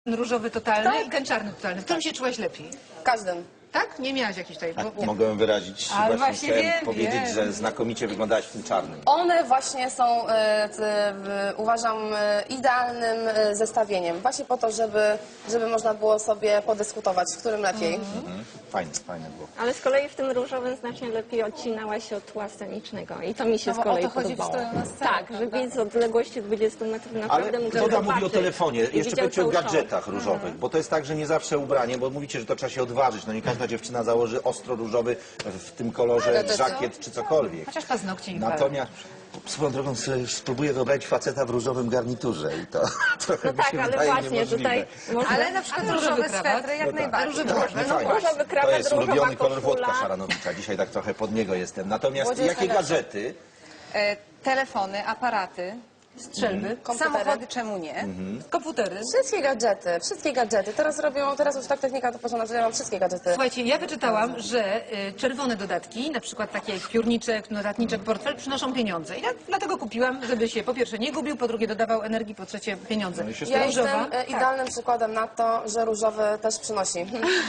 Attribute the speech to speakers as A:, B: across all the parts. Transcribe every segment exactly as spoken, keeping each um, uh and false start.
A: Różowy totalny
B: Tak.
A: i ten czarny totalny. W którym się czułaś lepiej?
B: W każdym.
A: Tak? Nie miałaś jakiejś tutaj...
C: A
A: Bo...
C: mogłem wyrazić,
A: Ale
C: właśnie,
A: właśnie
C: chciałem
A: wiem,
C: powiedzieć,
A: wiem.
C: że znakomicie wyglądałaś w tym czarnym.
B: One właśnie są, e, t, w, uważam, e, idealnym e, zestawieniem. Właśnie po to, żeby, żeby można było sobie podyskutować, w którym lepiej.
C: Mhm. Fajne, fajne było.
D: Ale z kolei w tym różowym znacznie lepiej odcinała się od tła scenicznego i to mi się
B: No bo
D: z kolei
B: o to chodzi w
D: podobało.
B: stroju na scenę,
D: Tak, że
B: prawda?
D: widz z odległości dwudziestu metrów naprawdę
C: Ale
D: mógł
C: Toda mówi o
D: zobaczyć
C: telefonie.
D: i
C: Jeszcze
D: widział
C: powiedzcie o
D: cały
C: gadżetach różowych, bo to jest tak, że nie zawsze ubranie, bo mówicie, że to trzeba się odważyć. No nie każda dziewczyna założy ostro różowy w tym kolorze
B: Ale to co?
C: żakiet czy cokolwiek.
A: Chociaż paznokcie nie
C: Natomiast swoją drogą sobie spróbuję wyobrazić faceta w różowym garniturze i to trochę
D: No
C: mi
D: tak,
C: się
D: ale
C: wydaje
D: właśnie
C: niemożliwe.
D: tutaj można...
E: Ale na przykład
A: Ale
E: różowe
A: różowy krawat?
E: swetry jak
C: No tak.
E: najbardziej.
C: Tak,
E: można.
C: no
E: No,
C: fajnie.
D: różowy krawat,
C: To jest
D: różowa
C: ulubiony kolor
D: koszula.
C: Włodka Szaranowicza. Dzisiaj tak trochę pod niego jestem. Natomiast
B: Młodzież
C: jakie
B: najlepsza.
C: gadżety?
E: E, telefony, aparaty,
A: Strzelby,
B: Komputery.
E: samochody, czemu nie?
C: Mhm.
A: komputery.
B: Wszystkie gadżety, wszystkie gadżety. Teraz robią, teraz już tak technika to poszła, że ja mam wszystkie gadżety.
A: Słuchajcie, ja wyczytałam, że y, czerwone dodatki, na przykład takie jak piórniczek, notatniczek, portfel, przynoszą pieniądze. I ja dlatego kupiłam, żeby się po pierwsze nie gubił, po drugie dodawał energii, po trzecie pieniądze.
C: No i się
B: Ja
A: Różowa?
B: jestem e, idealnym przykładem na to, że różowy też przynosi.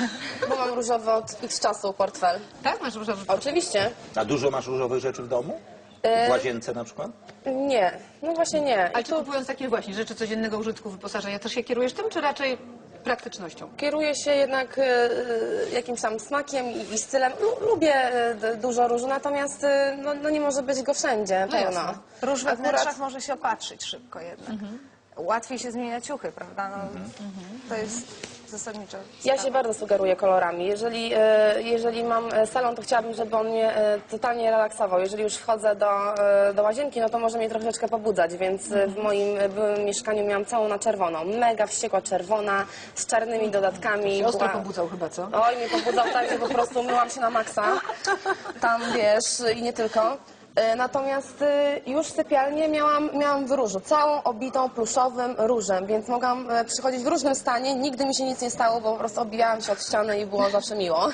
B: Bo mam różowy od x czasu portfel.
A: Tak? Masz różowy?
B: Oczywiście.
C: A dużo masz różowych rzeczy w domu? W łazience na przykład?
B: Nie, no właśnie nie.
A: Ale
B: I
A: czy
B: tu
A: kupując takie właśnie rzeczy codziennego użytku, wyposażenia, też się kierujesz tym, czy raczej praktycznością?
B: kieruję się jednak e, e, jakimś tam smakiem i, i stylem. Lu, lubię e, d- dużo różu, natomiast e, no, no nie może być go wszędzie
A: No
B: pełno.
A: jasne.
E: Róż we
B: Akurat-
E: wnętrzach może się opatrzyć szybko jednak. Łatwiej się zmienia ciuchy, prawda? No, To jest zasadniczo.
B: Ja się bardzo sugeruję kolorami. Jeżeli, e, jeżeli mam e, salon, to chciałabym, żeby on mnie e, totalnie relaksował. Jeżeli już wchodzę do, e, do łazienki, no to może mnie troszeczkę pobudzać, więc e, w moim e, byłym mieszkaniu miałam całą na czerwoną. Mega wściekła czerwona, z czarnymi dodatkami.
A: Się ostro
B: Była-
A: pobudzał chyba, co?
B: Oj, mnie pobudzał tak, że po prostu myłam się na maksa. Tam, wiesz, i nie tylko. E, Natomiast e, już sypialnię miałam, miałam w różu, całą obitą pluszowym różem, więc mogłam e, przychodzić w różnym stanie, nigdy mi się nic nie stało, bo po prostu obijałam się od ściany i było zawsze miło.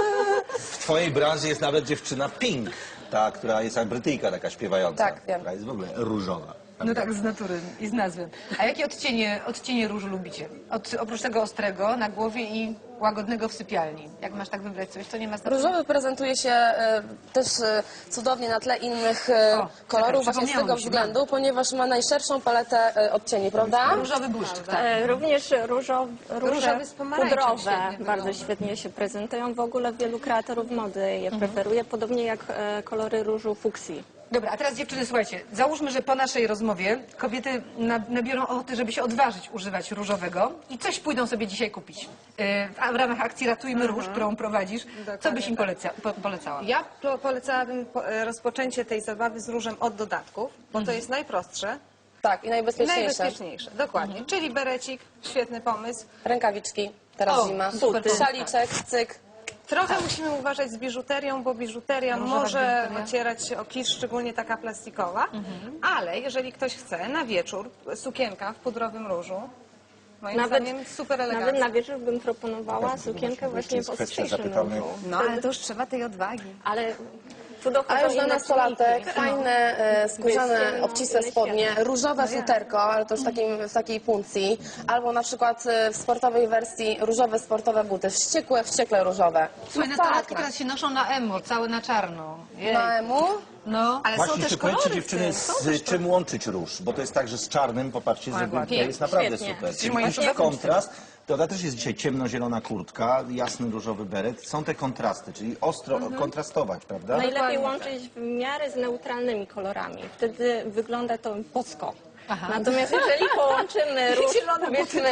C: W twojej branży jest nawet dziewczyna Pink, ta, która jest jak Brytyjka taka śpiewająca.
B: Tak, wiem.
C: Która jest w ogóle różowa.
A: No tak, z natury i z nazwy. A jakie odcienie, odcienie różu lubicie? Od, oprócz tego ostrego na głowie i łagodnego w sypialni. Jak masz tak wybrać coś, to nie ma znaczenia.
B: Różowy prezentuje się e, też e, cudownie na tle innych e,
A: O,
B: kolorów,
A: czekaj,
B: właśnie z
A: przypomniało
B: tego
A: mi się,
B: względu, ponieważ ma najszerszą paletę e, odcieni, prawda?
A: Różowy błyszczyk, tak.
D: E, Również różow, róże
E: Różowy z pomarańczem
D: pudrowe
E: świetnie
D: bardzo
E: wygląda.
D: świetnie się prezentują. W ogóle wielu kreatorów mody je preferuje, podobnie jak e, kolory różu fuksji.
A: Dobra, a teraz dziewczyny, słuchajcie, załóżmy, że po naszej rozmowie kobiety na- nabiorą ochoty, żeby się odważyć używać różowego i coś pójdą sobie dzisiaj kupić. Yy, w, w ramach akcji Ratujmy Róż, którą prowadzisz, co byś im poleca, po, polecała?
E: Ja po, polecałabym po, e, rozpoczęcie tej zabawy z różem od dodatków, bo to jest najprostsze
B: Tak, i
E: i
B: najbezpieczniejsze.
E: najbezpieczniejsze. Dokładnie. Czyli berecik, świetny pomysł.
B: Rękawiczki, teraz
A: O,
B: zima.
A: super pomysł,
B: Szaliczek, cyk.
E: Trochę musimy uważać z biżuterią, bo biżuteria
A: Różowa
E: może
A: biżuteria.
E: ocierać się o kisz, szczególnie taka plastikowa. Ale jeżeli ktoś chce na wieczór, sukienka w pudrowym różu, moim
D: Nawet-
E: zdaniem super
D: Nawet
E: elegancka.
D: na wieczór bym proponowała sukienkę właśnie
C: jest
D: w
C: kwestia
D: ostrzejszym
C: zapytany-
D: różu.
E: No, ale to już trzeba tej odwagi.
D: Ale tu dochodzą
B: A już na
D: inne
B: nastolatek
D: czynniki.
B: fajne, e, skórzane,
D: Wiecie, no,
B: obcisłe
D: inne
B: spodnie,
D: światy.
B: różowe futerko, ale to już w, takim, w takiej puncji, albo na przykład e, w sportowej wersji różowe sportowe buty, wściekłe, wściekle różowe.
A: Słuchaj, nastolatki teraz się noszą na emo, całe na czarno. Jej.
B: Na emu?
A: No.
E: Ale
C: Właśnie
E: są też
C: jeszcze powiedzcie
E: kolory w
C: dziewczyny,
E: tym.
C: z czym łączyć róż, bo to jest tak, że z czarnym, popatrzcie, że to
A: ładnie.
C: jest naprawdę
D: Świetnie.
C: super. Czyli
E: moim
C: jakiś
E: ulubionym
C: kontrast. To też jest dzisiaj ciemnozielona kurtka, jasny różowy beret. Są te kontrasty, czyli ostro kontrastować, prawda?
D: Najlepiej łączyć w miarę z neutralnymi kolorami. Wtedy wygląda to bosko.
A: Aha.
D: Natomiast jeżeli połączymy róż, powiedzmy,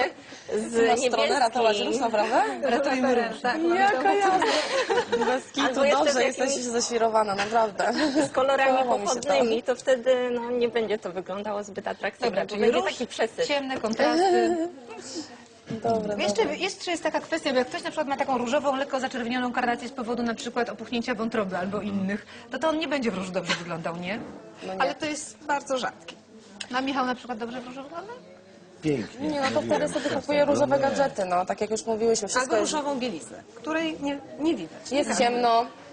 D: z
B: Na stronę ratować róż,
D: niebieskim,
B: naprawdę?
A: Ratujmy Róż.
E: Tak,
B: Jaka jazda. Bez kitu,
D: Albo jeszcze
B: dobrze,
D: z
B: jesteś
D: jakimś-
B: zaświrowana, naprawdę.
D: z kolorami
B: Podobało mi się to.
D: pochodnymi, to wtedy no, nie będzie to wyglądało zbyt atrakcyjnie,
A: Dobra,
D: bo
A: czyli
D: będzie
A: róż,
D: taki przesyt.
A: ciemne kontrasty.
B: Dobre,
A: Jeszcze,
B: dobre.
A: jeszcze jest taka kwestia, bo jak ktoś na przykład ma taką różową, lekko zaczerwienioną karnację z powodu na przykład opuchnięcia wątroby albo innych, to to on nie będzie w różu dobrze wyglądał, nie?
B: No nie.
E: Ale to jest bardzo rzadkie.
A: A Michał na przykład dobrze w różu wygląda?
C: Pięknie.
B: Nie, no to
C: Mówiłem,
B: wtedy sobie
C: często.
B: kupuję różowe
C: Nie.
B: gadżety, no, tak jak już mówiłyśmy, wszystko
E: Albo
B: jest,
E: różową bieliznę, której nie, nie widać.
B: jest ciemno,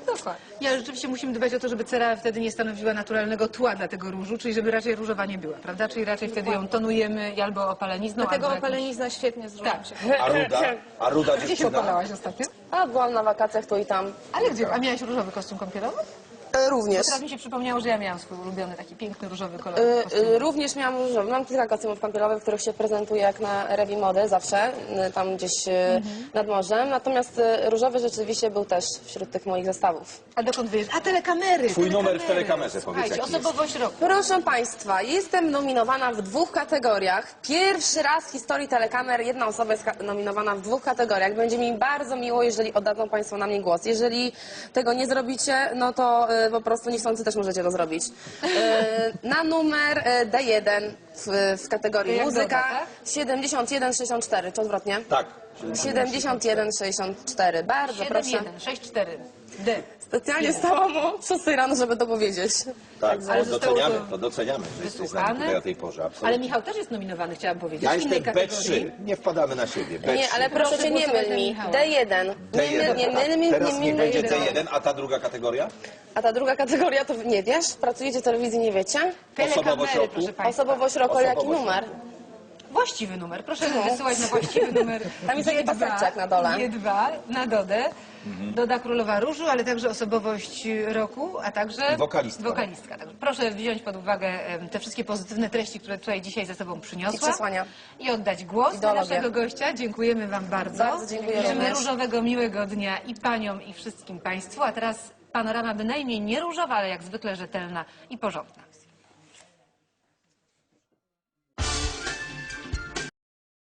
E: Dokładnie.
A: Nie, rzeczywiście musimy dbać o to, żeby cera wtedy nie stanowiła naturalnego tła dla tego różu, czyli żeby raczej różowa nie była, prawda? Czyli raczej wtedy ją tonujemy albo opalenizną,
E: Dlatego
A: albo jakimś...
E: opalenizna świetnie z różem
A: Tak.
E: się.
C: A ruda? A ruda
A: Gdzie się
C: dziewczyna?
A: opalałaś ostatnio?
B: A byłam na wakacjach tu i tam.
A: Ale gdzie? A miałaś różowy kostium kąpielowy?
B: E, również.
A: Teraz mi się przypomniało, że ja miałam swój ulubiony taki piękny różowy kolor
B: E,
A: kostiumu.
B: e, również miałam różowy. Mam kilka kostiumów kąpielowych, w których się prezentuję jak na rewi mody zawsze, e, tam gdzieś e, nad morzem. Natomiast e, różowy rzeczywiście był też wśród tych moich zestawów.
A: A dokąd wyjeżdżasz? A telekamery!
F: Twój numer w
A: telekamery.
F: telekamerze, powiedz,
A: Słuchajcie,
F: jaki jest.
A: osobowość roku.
B: Proszę Państwa, jestem nominowana w dwóch kategoriach. Pierwszy raz w historii telekamer jedna osoba jest ka- nominowana w dwóch kategoriach. Będzie mi bardzo miło, jeżeli oddadzą Państwo na mnie głos. Jeżeli tego nie zrobicie, no to e, po prostu niechcący też możecie to zrobić. E, na numer e, D jeden w, w kategorii
A: Jak
B: muzyka
A: doda, tak?
B: siedemdziesiąt jeden sześćdziesiąt cztery, czy odwrotnie?
F: Tak.
B: siedemdziesiąt jeden sześćdziesiąt cztery. Bardzo
A: siedem
B: proszę.
A: jeden sześć cztery D.
B: Specjalnie stałam o szóstej rano, żeby to powiedzieć.
F: Tak,
A: Ale
F: to
A: zostało
F: doceniamy,
A: to
F: to doceniamy, że jesteś z nami
A: wysłuchane.
F: tutaj o tej porze. Absolutnie.
A: Ale Michał też jest nominowany, chciałam powiedzieć.
F: Ja
A: w innej
F: jestem B
A: kategorii.
F: trzy, nie wpadamy na siebie. B trzy.
B: Nie, ale proszę
A: Proszę
B: cię, nie
A: głosować
B: myl
A: na
B: mi.
A: Michała.
B: D jeden.
F: D
B: Nie
F: jeden.
B: myl, nie myl mi,
F: Teraz
B: nie
F: niech
B: myl
F: będzie
B: mi.
F: D jeden, a ta druga kategoria?
B: A ta druga kategoria to nie wiesz? Pracujecie w telewizji, nie wiecie?
F: Osobowość
A: Telekamery,
F: roku?
A: proszę Państwa.
B: Osobowość roku, ale jaki
F: Osobowość
B: numer?
A: Właściwy numer. Proszę wysyłać na właściwy numer.
B: Tam jest taki
A: G dwa,
B: paseczek na dole.
A: G dwa na Dodę. Doda Królowa Różu, ale także osobowość roku, a także
C: Wokalistka.
A: wokalistka. Także proszę wziąć pod uwagę em, te wszystkie pozytywne treści, które tutaj dzisiaj ze sobą przyniosła.
B: I przesłania.
A: I oddać głos na
B: Ideologię.
A: naszego gościa. Dziękujemy Wam bardzo.
B: Bardzo dziękuję
A: Życzymy
B: również.
A: różowego, miłego dnia i Paniom, i wszystkim Państwu. A teraz panorama bynajmniej nie różowa, ale jak zwykle rzetelna i porządna.